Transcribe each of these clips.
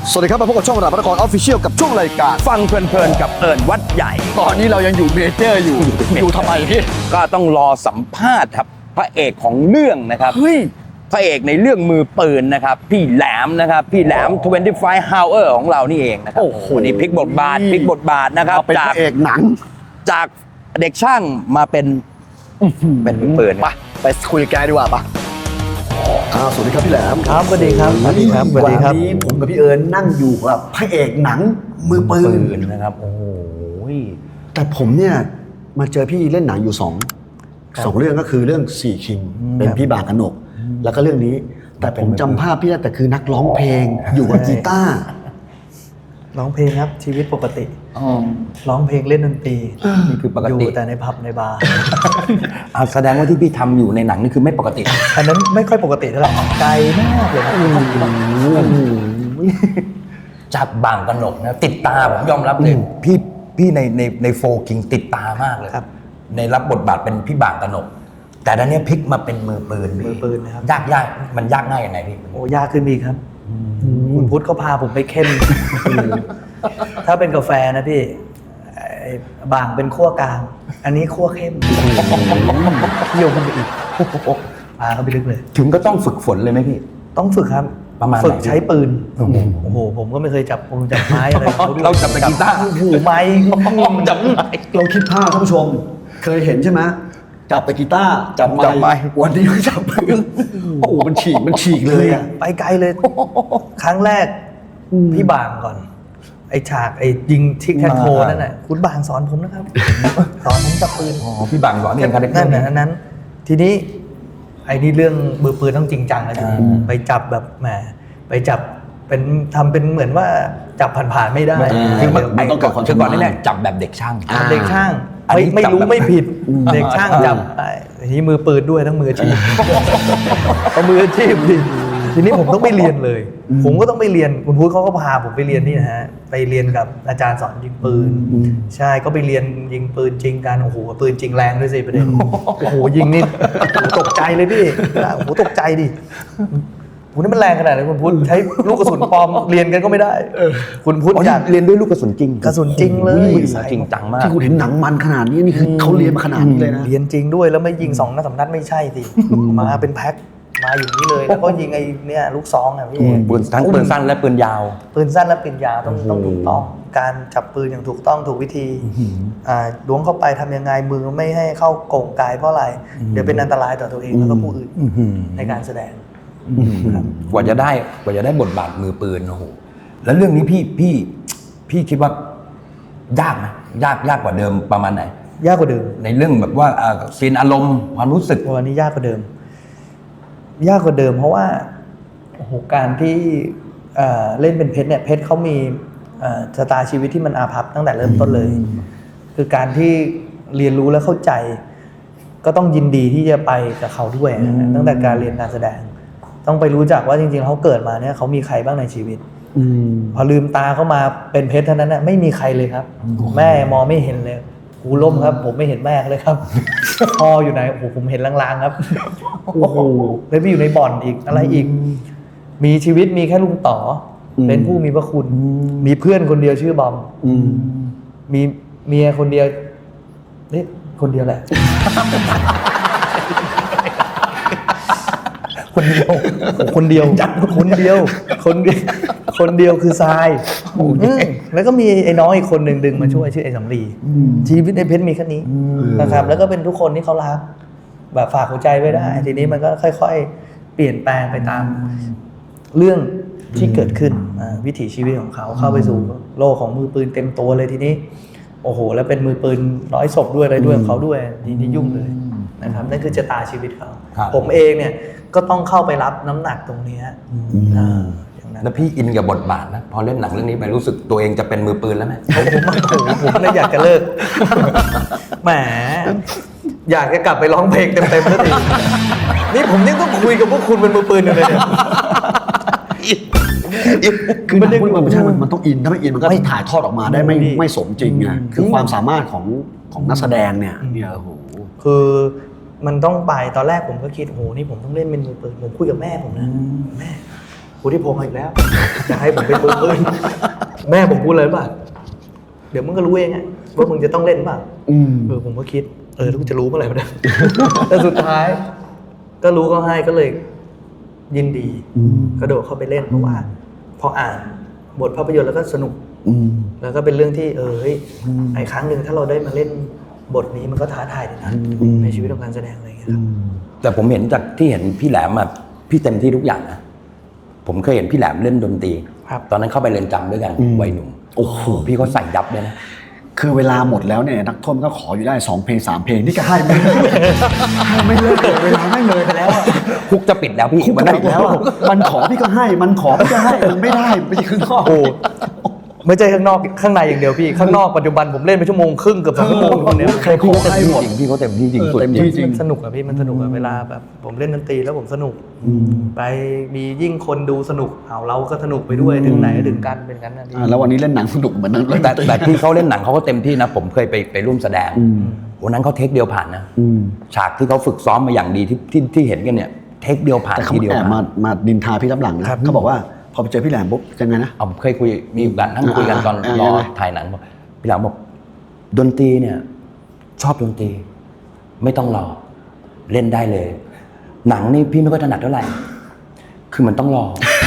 สวัสดีครับมาพบกับช่องระดับพระนครออฟฟิเชียลกับช่วงรายการฟังเพลินๆกับเอิญวัดใหญ่ตอนนี้เรายังอยู่เมเจอร์อยู่ทำไมพี่ก็ต้องรอสัมภาษณ์ครับพระเอกของเรื่องนะครับเฮ้ยพระเอกในเรื่องมือปืนนะครับพี่แหลมนะครับพี่แหลม25 Hour ของเรานี่เองนะครับโอ้โหวันนี้พลิกบทบาทนะครับมาเป็นพระเอกหนังจากเด็กช่างมาเป็นมือปืนไปคุยกับแกดีกว่าปะสวัสดีครับพี่แหลมครับสวัสดีครับสวัสดีครับสวัสดีครับวันนี้ผมกับพี่เอิญนั่งอยู่กับพระเอกหนังมือปืปืนนนะครับโอ้โหแต่ผมเนี่ยมาเจอพี่เล่นหนังอยู่สองเรื่องก็คือเรื่องสี่คิงเป็นพี่บากนกแล้วก็เรื่องนี้ แต่ผมจำภาพพี่ได้แต่คือนักร้องเพลงอยู่กับกีตาร์ร้องเพลงครับชีวิตปกติร้องเพลงเล่นดนตรีนี่คือปกอยู่ติแต่ในผับในบาร์แสดงว่าที่พี่ทำอยู่ในหนังนี่คือไม่ปกติอันนั้นไม่ค่อยปกติเท่าไหร่ไกลมากเลยครับจากบางกนกนะติดตาผมยอมรับเลยพี่ในโฟกิงติดตามากเลยครับในรับบทบาทเป็นพี่บางกนก แต่ตอนนี้พลิกมาเป็นมือปืนพี่มือปืนนะครับยากมันยากง่ายยังไงพี่โอ้ยากขึ้นอีกครับคุณพุทธเขาพาผมไปเข้ม ถ้าเป็นกาแฟนะพี่ไอ้บางเป็นขั้วกลาง อันนี้ขั้วเข้มโยงกันไปอีกพาเขาไปลึกเลยถึงก็ต้องฝึกฝนเลยไหมพี่ต้องฝึกครับประมาณไหนฝึกใช้ปืนโอ้โหผมก็ไม่เคยจับไม้อะไรเขาด้วยเราจับแต่กีตาร์โอ้โหไม้จับไม้เราคิดภาพท่านผู้ชม เคยเห็นใช่ไหมจับแต่กีตาร์จับไม้วันนี้ก็จับปืนโอ้โหมันฉีกเลยอะไปไกลเลย ครั้งแรกพี่บางก่อน ไอ้ฉากไอ้ยิงทิกแท็กโทนั่นน่ะคุณบางสอนผมนะครับ สอนผมจับปืนอ๋อพี่บางสอนเรียนคาแรคเตอนั่นร์น่ะอันนั้น ทีนี้ไอ้นี่เรื่องมือปืนต้องจริงจังนะทีนี้ไปจับแบบแหมไปจับเป็นทำเป็นเหมือนว่าจับผ่านๆไม่ได้คือมันมันต้องเกิดความคือก่อนชำนาญนี่แหละจับแบบเด็กช่างเด็กช่างอันนี้ไม่รู้จับแบบไม่ผิด เด็กช่างจับทีนี้มือปืนด้วยทั้งมืออาชีพเอามืออาชีพดิทีนี้ผมต้องไปเรียนเลย ผมก็ต้องไปเรียนคุณพุทธเขาก็พาผมไปเรียนนี่นะฮะไปเรียนกับอาจารย์สอนยิงปืน ใช่ก็ไปเรียนยิงปืนจริงกันโอ้โหปืนจริงแรงด้วยสิประเด็นโอ้โหยิงนี่โอ้โหตกใจเลยพี่โอ้โหตกใจดิโอ้โหนี่มันแรงขนาดไหนคุณพุทธใช้ลูกกระสุนปลอมเรียนกันก็ไม่ได้คุณพุทธอยากเรียนด้วยลูกกระสุนจริงกระสุนจริงเลยจริงจังมากที่คุณเห็นหนังมันขนาดนี้นี่คือเขาเรียนมาขนาดนี้เลยนะเรียนจริงด้วยแล้วไม่ยิง2 นัด 3 นัดไม่ใช่สิมาเป็นแพ็คมาอยู่นี่เลยแล้วก็ยิงไอ้เนี่ยลูกซองอ่ะพี่ปืนทั้งปืนสั้นและปืนยาวปืนสั้นและปืนยาวต้องถูกต้องการจับปืนอย่างถูกต้องถูกวิธีล้วงเข้าไปทำยังไงมือไม่ให้เข้าโก่งกายเพราะอะไรเดี๋ยวเป็นอันตรายต่อตัวเองแล้วก็ผู้อื่นในการแสดงกว่าจะได้บทบาทมือปืนโอ้โหแล้วเรื่องนี้พี่คิดว่ายากไหมยากกว่าเดิมประมาณไหนยากกว่าเดิมในเรื่องแบบว่าซีนอารมณ์ความรู้สึกวันนี้ยากกว่าเดิม ยากกว่าเดิมเพราะว่าโอ้โหการที่เล่นเป็นเพชรเนี่ยเพชรเขามีชะตาชีวิตที่มันอาภัพตั้งแต่เริ่มต้นเลย คือการที่เรียนรู้และเข้าใจ ก็ต้องยินดีที่จะไปกับเขาด้วยนะตั้งแต่การเรียนการแสดง ต้องไปรู้จักว่าจริงๆเขาเกิดมาเนี่ยเขามีใครบ้างในชีวิตพอลืมตาเข้ามาเป็นเพชรเท่านั้นนะไม่มีใครเลยครับ แม่มองไม่เห็นเลยหูล่มครับ ผมไม่เห็นแม่เลยครับ พ่ออยู่ไหนโอ้โหผมเห็นลางๆครับโอ้โหแล้วไปอยู่ในบ่อนอีกอะไรอีก มีชีวิตมีแค่ลุงต่อเป็นผู้มีพระคุณ มีเพื่อนคนเดียวชื่อบอมมีเมียคนเดียวนี่คนเดียวแหละ คนเดียวคนเดียวคือทรายแล้วก็มีไอ้น้องอีกคนหนึ่งดึงมาช่วยชื่อไอ้สำลีชีวิตในเพชรมีแค่นี้นะครับแล้วก็เป็นทุกคนที่เขารักแบบฝากหัวใจไว้ได้ทีนี้มันก็ค่อยๆเปลี่ยนแปลงไปตามเรื่องที่เกิดขึ้นวิถีชีวิตของเขาเข้าไปสู่โลกของมือปืนเต็มตัวเลยทีนี้โอ้โหแล้วเป็นมือปืน100 ศพด้วยอะไรด้วยของเขาด้วยทีนี้ยุ่งเลยนะครับนั่นคือชะตาชีวิตเขาผมเองเนี่ยก็ต้องเข้าไปรับน้ำหนักตรงนี้อย่างนั้นแล้วพี่อินกับบทบาทนะพอเล่นหนังเรื่องนี้ไปรู้สึกตัวเองจะเป็นมือปืนแล้วไหมผมเลยอยากจะเลิกแหมอยากจะกลับไปร้องเพลงเต็มๆแล้วทีนี่ผมยังต้องคุยกับพวกคุณเป็นมือปืนอยู่เลยเนี่ยคือมันไม่ใช่มันต้องอินถ้าไม่อินมันก็ถ่ายทอดออกมาได้ไม่สมจริงไงคือความสามารถของนักแสดงเนี่ยโอ้โหคือมันต้องไปตอนแรกผมก็คิดโอ้โหนี่ผมต้องเล่นเป็นมือปืนผมคุยกับแม่ผมนะแม่พุทธิพงศ์อีกแล้ว จะให้ผมเป็นมือปืนแม่ผมพูดเลยป่ะเดี๋ยวมึงก็รู้เองไงว่ามึงจะต้องเล่นป่ะผมก็คิดแล้วกูจะรู้เมื่อไหร่วะเนี่ย แต่สุดท้าย ก็รู้ก็ให้ก็เลยยินดีกระโดดเข้าไปเล่นเพราะว่า พออ่านบทภาพยนตร์แล้วก็สนุกแล้วก็เป็นเรื่องที่ไอ้ครั้งหนึ่งถ้าเราได้มาเล่นบทนี้มันก็ท้าทายดีนะในชีวิตของการแสดงอะไรอย่างเงี้ยครับแต่ผมเห็นจากที่เห็นพี่แหลมอะพี่เต็มที่ทุกอย่างนะผมเคยเห็นพี่แหลมเล่นดนตรีตอนนั้นเข้าไปเรียนจำด้วยกันวัยหนุ่มโอ้โหพี่เขาใส่ยับเลยนะคือเวลาหมดแล้วเนี่ยนักโทษก็ขออยู่ได้2 เพลง 3 เพลงนี่ก็ให้ไม่เลิกเวลาไม่เลยไปแล้วคุกจะปิดแล้วพี่คุกจะปิดแล้วมันขอพี่ก็ให้มันขอพี่ก็ให้มันไม่ได้ไปข้างนอกไม่ใช่ข้างนอกข้างในอย่างเดียวพี่ข้างนอกปัจจุบันผมเล่นไปชั่วโมงครึ่งเกือบ2 ชั่วโมงคนนี้ใครพี่เขาเต็มที่จริงพี่เขาเต็มที่จริงสุดจริงสนุกอะพี่มันสนุกอะเวลาแบบผมเล่นดนตรีแล้วผมสนุกไปมียิ่งคนดูสนุกเราก็สนุกไปด้วยถึงไหนก็ถึงกันเป็นงั้นนะพี่แล้ววันนี้เล่นหนังสนุกเหมือนนั้นแต่ที่เขาเล่นหนังเขาก็เต็มที่นะผมเคยไปร่วมแสดงวันนั้นเขาเทคเดียวผ่านนะฉากที่เขาฝึกซ้อมมาอย่างดีที่เห็นกันเนี่ยเทคเดียวผ่านทีเดียวมาดินทาพี่รับหลังนะเขาบอกว่าพอไปเจอพี่แหลมปุ๊บยังไงนะเคยคุยมีโอกาสนั่งคุยกันตอนรอถ่ายหนังบอกพี่แหลมบอกดนตรีเนี่ยชอบดนตรีไม่ต้องรอเล่นได้เลยหนังนี่พี่ไม่ค่อยถนัดเท่าไหร่คือมันต้องรอ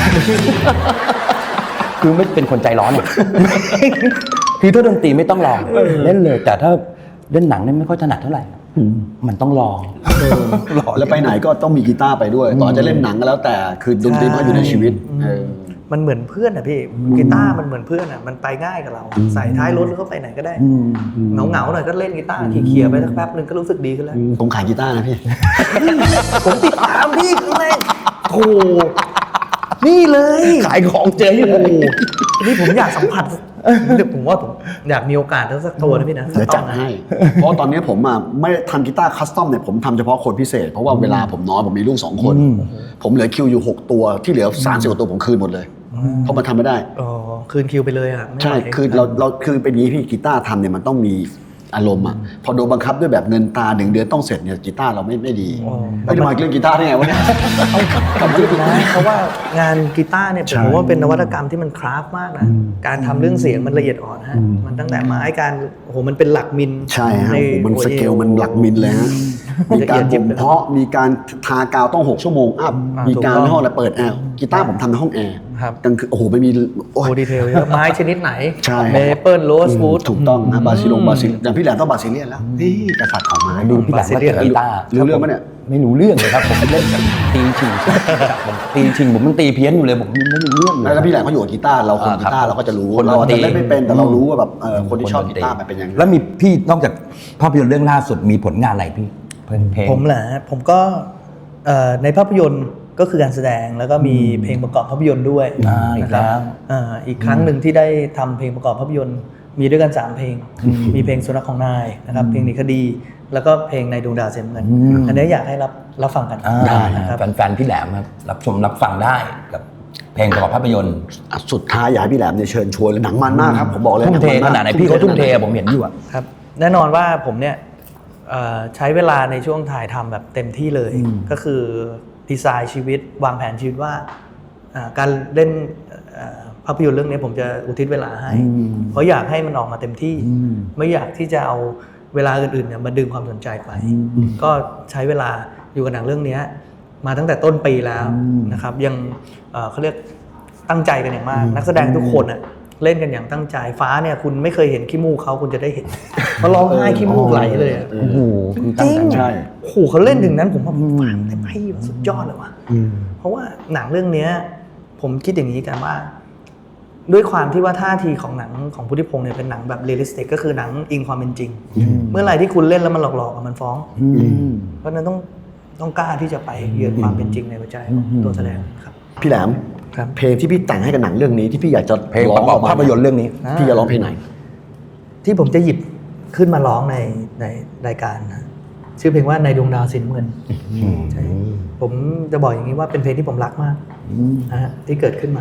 คือไม่เป็นคนใจร้อนเนี่ย คือถ้าดนตรีไม่ต้องรอเล่นเลยแต่ถ้าเล่นหนังนี่ไม่ค่อยถนัดเท่าไหร่มันต้องรอแล้วไปไหนก็ต้องมีกีตาร์ไปด้วยต่อจะเล่นหนังก็แล้วแต่คือดนตรีมันอยู่ในชีวิตมันเหมือนเพื่อนอะพี่กีตาร์มันเหมือนเพื่อนอะมันไปง่ายกับเราใส่ท้ายรถแล้วก็ไปไหนก็ได้เหงาหน่อยก็เล่นกีตาร์เคลียร์ไปสักแป๊บนึงก็รู้สึกดีขึ้นแล้วผมขายกีตาร์นะพี่ผมติดตามพี่ข้างในโอ้นี่เลยขายของเจอยู่เลยนี่ผมอยากสัมผัสเดี๋ยวผมว่าผมอยากมีโอกาสสักตัวนะพี่นะเดี๋ยวจัดให้เพราะตอนนี้ผมไม่ทำกีตาร์คัสตอมเนี่ยผมทำเฉพาะคนพิเศษเพราะว่าเวลาผมน้อยผมมีลูก2 คนผมเหลือคิวอยู่6 ตัวที่เหลือ30 กว่าตัวผมคืนหมดเลยเพราะมันทำไม่ได้คืนคิวไปเลยใช่คือเราคือเป็นนี้พี่กีตาร์ทำเนี่ยมันต้องมีอารมณ์อ่ะพอโดนบังคับด้วยแบบเงินตา1 เดือนต้องเสร็จเนี่ยกีตาร์เราไม่ดีไม่ได้มาเล่นกีตาร์ได้ไงวะเนี่ยเพราะว่างานกีตาร์เนี่ยผมว่าเป็นนวัตกรรมที่มันคราฟมากนะการทำเรื่องเสียงมันละเอียดอ่อนฮะมันตั้งแต่ไม้การมันเป็นหลักมิลใช่ฮะมันสเกลมันหลักมิลเลยฮะมีการบ่มเพาะมีการทากาวต้อง6 ชั่วโมงอัพมีการในห้องแล้วเปิดแอร์กีตาร์ผมทำในห้องแอร์กลางคืนไม่มีดีเทลเยอะไม้ชนิดไหนเมเปิลโรสวูดถูกต้องนะบาซิลอย่างพี่แหลมต้องบาซิเลียนแล้วนี่กษัตริย์ของไม้ดูพี่แหลมมาเล่นกีตาร์รู้เรื่องไหมเนี่ยไม่รู้เรื่องเลยครับผมเล่นแบบตีชิงผมมันตีเพี้ยนอยู่เลยผมไม่รู้เรื่องแล้วพี่แหลมเขาอยู่กับกีตาร์เราคนกีตาร์เราก็จะรู้เราเล่นไม่เป็นแต่เรารู้ว่าแบบคนที่ชอบกีตาร์มันเป็นยังไงแล้วมีพี่นอกจากภาพยนตร์เรื่องล่าสุดมีผลงานอะไรพี่ผมเหรอผมก็ในภาพยนตร์ก็คือการแสดงแล้วก็มีเพลงประกอบภาพยนตร์ด้วยนะครับอีกครั้งหนึ่งที่ได้ทำเพลงประกอบภาพยนตร์มีด้วยกัน3 เพลงมีเพลงสุนัขของนายนะครับเพลงหนีคดีแล้วก็เพลงในดวงดาวเสียเงินอันนี้อยากให้รับฟังกันได้ครับแฟนๆพี่แหลมครับรับชมรับฟังได้กับเพลงประกอบภาพยนตร์สุดท้ายอยากให้พี่แหลมเนี่ยเชิญชวนหนังมันมากครับผมบอกเลยทุ่มเทขนาดไหนพี่เขาทุ่มเทผมเห็นอยู่ครับแน่นอนว่าผมเนี่ยใช้เวลาในช่วงถ่ายทำแบบเต็มที่เลยก็คือดีไซน์ชีวิตวางแผนชีวิตว่าการเล่นภาพยนตร์เรื่องนี้ผมจะอุทิศเวลาให้เพราะอยากให้มันออกมาเต็มที่ไม่อยากที่จะเอาเวลาอื่นๆเนี่ยมาดึงความสนใจไปก็ใช้เวลาอยู่กับหนังเรื่องนี้มาตั้งแต่ต้นปีแล้วนะครับยังเขาเรียกตั้งใจกันอย่างมากนักแสดงทุกคนเล่นกันอย่างตั้งใจฟ้าเนี่ยคุณไม่เคยเห็นขี้มูกเขาคุณจะได้เห็นเขาร้องไห้ขี้มูกไหลเลยโอ้โหจริงใช่โอ้โหเขาเล่นถึงนั้นผมว่าฟังได้ไหมสุดยอดเลยว่ะเพราะว่าหนังเรื่องนี้ผมคิดอย่างนี้กันว่าด้วยความที่ว่าท่าทีของหนังของพุทธิพงศ์เนี่ยเป็นหนังแบบเรียลลิสติกก็คือหนังอิงความเป็นจริงเมื่อไหร่ที่คุณเล่นแล้วมันหลอกๆมันฟ้องเพราะนั้นต้องกล้าที่จะไปเยือนความเป็นจริงในหัวใจของตัวแสดงครับพี่แหลมเพลงที่พี่แต่งให้กับหนังเรื่องนี้ที่พี่อยากจะเพลงประกอบภาพยนตร์เรื่องนี้พี่จะร้องเพลงไหนที่ผมจะหยิบขึ้นมาร้องในรายการนะชื่อเพลงว่าในดวงดาวสีน้ำเงินผมจะบอกอย่างนี้ว่าเป็นเพลงที่ผมรักมากนะฮะที่เกิดขึ้นมา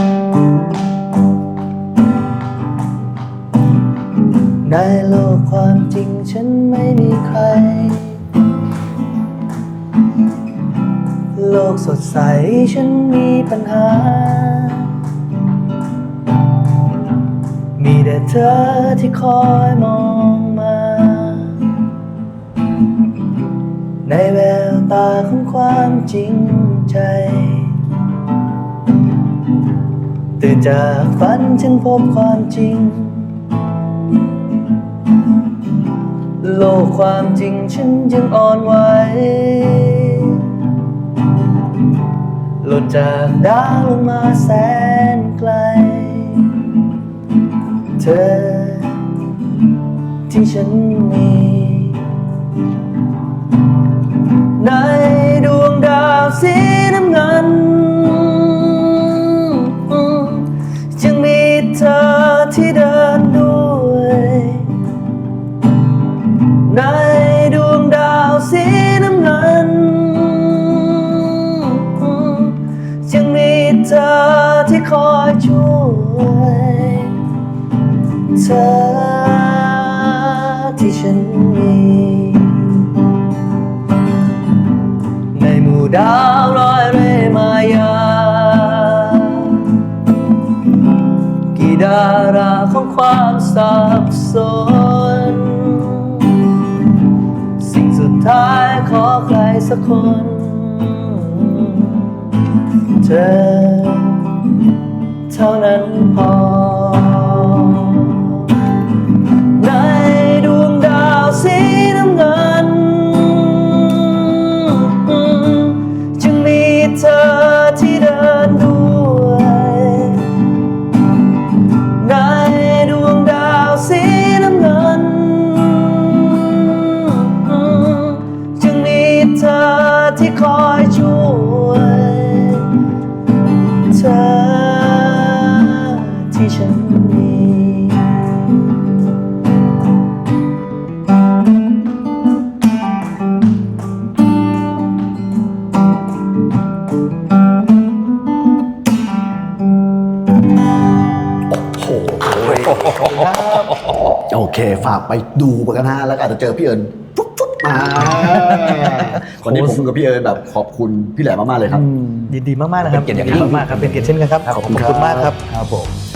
ในโลกความภัยโลกสดใสฉันมีปัญหามีแต่เธอที่คอยมองมาในแววตาของความจริงใจตื่นจากฝันฉันพบความจริงโลกความจริงฉันยังอ่อนไหวหล่นจากดาวลงมาแสนไกลเธอที่ฉันมีในดวงดาวสีน้ำเงินจึงมีเธอที่เดินด้วยในดวงดาวสีน้ำเงินจึงมีเธอที่คอยช่วยเธอที่ฉันมีในหมู่ดาวลอยเร่มายากี่ดาราของความสับสนสิ่งสุดท้ายขอใครสักคนเธอเท่านั้นพอในดวงดาวสีน้ำเงินจึงมีเธอที่เดินด้วยในดวงดาวสีน้ำเงินจึงมีเธอที่คอยช่วยเธอที่ฉันมีโอเคฝากไปดูกันนะแล้วก็อาจจะเจอพี่เอิญฟุ๊บมาวันนี้ผมกับพี่เอิญแบบขอบคุณพี่แหลมมากๆเลยครับยินดีมากๆนะครับเป็นเกียรติอย่างยิ่งมากๆครับเป็นเกียรติเช่นกันครับขอบคุณมากครับครับผม